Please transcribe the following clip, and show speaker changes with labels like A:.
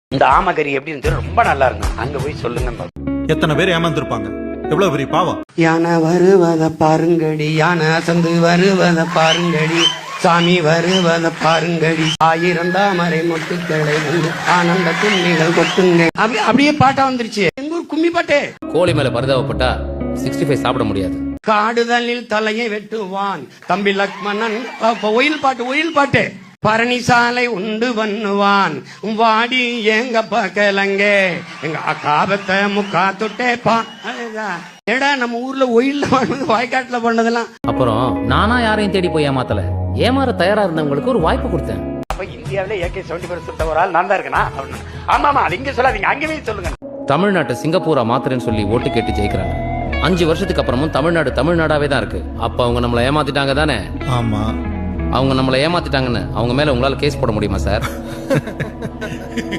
A: இந்த ஆமகரி எப்படின்னு ரொம்ப நல்லா இருக்கும், அங்க போய் சொல்லுங்க.
B: எத்தனை பேர் ஏமாந்துருப்பாங்க, எவ்வளவு பெரிய பாவம்.
A: யானை வருவத பாருங்கடி, யானை அசந்து வருவத பாருங்கடி, சாமி வருவத பாருங்கடி, 1000 தாமரை மொட்டுக்களை வந்து ஆனந்த கும்மிகள் கொட்டுங்க. அப்படியே பாட்டா வந்துருச்சு எங்க ஊர் கும்மி பாட்டே.
C: கோழி மேல பரிதாபப்பட்டா 65 சாப்பிட முடியாது.
A: காடுதலில் தலையை வெட்டுவான் தம்பி லக்மணன். ஒயில் பாட்டு பரணிசாலை உண்டு பண்ணுவான் வாடி எங்க பக்கலங்க எங்க காபத்தை முக்கா தொட்டேப்பா. ஏடா நம்ம ஊர்ல ஒயில்ல பண்ணது வாய்க்காட்டுல பண்ணதெல்லாம்.
C: அப்புறம் நானா யாரையும் தேடி போய் ஏமாத்தல, ஏமாற தயாரா இருந்தவங்களுக்கு ஒரு வாய்ப்பு கொடுத்தேன்.
A: அப்ப இந்தியாவில AK-74 சுத்த ஒரு ஆள் நான் தான் இருக்கனா? ஆமாமா, அது இங்க சொல்லாதீங்க, அங்கவே சொல்லுங்க.
C: தமிழ்நாட்டை சிங்கப்பூரா மாத்துறேன்னு சொல்லி ஓட்டு கேட்டு ஜெயிக்கிறாங்க. 5 வருஷத்துக்கு அப்புறமும் தமிழ்நாடு தமிழ்நாடாவே தான் இருக்கு. அப்ப அவங்க நம்மளை ஏமாத்திட்டாங்க தானே?
B: ஆமா,
C: அவங்க நம்மளை ஏமாத்திட்டாங்கன்னு அவங்க மேல உங்களால கேஸ் போட முடியுமா சார்?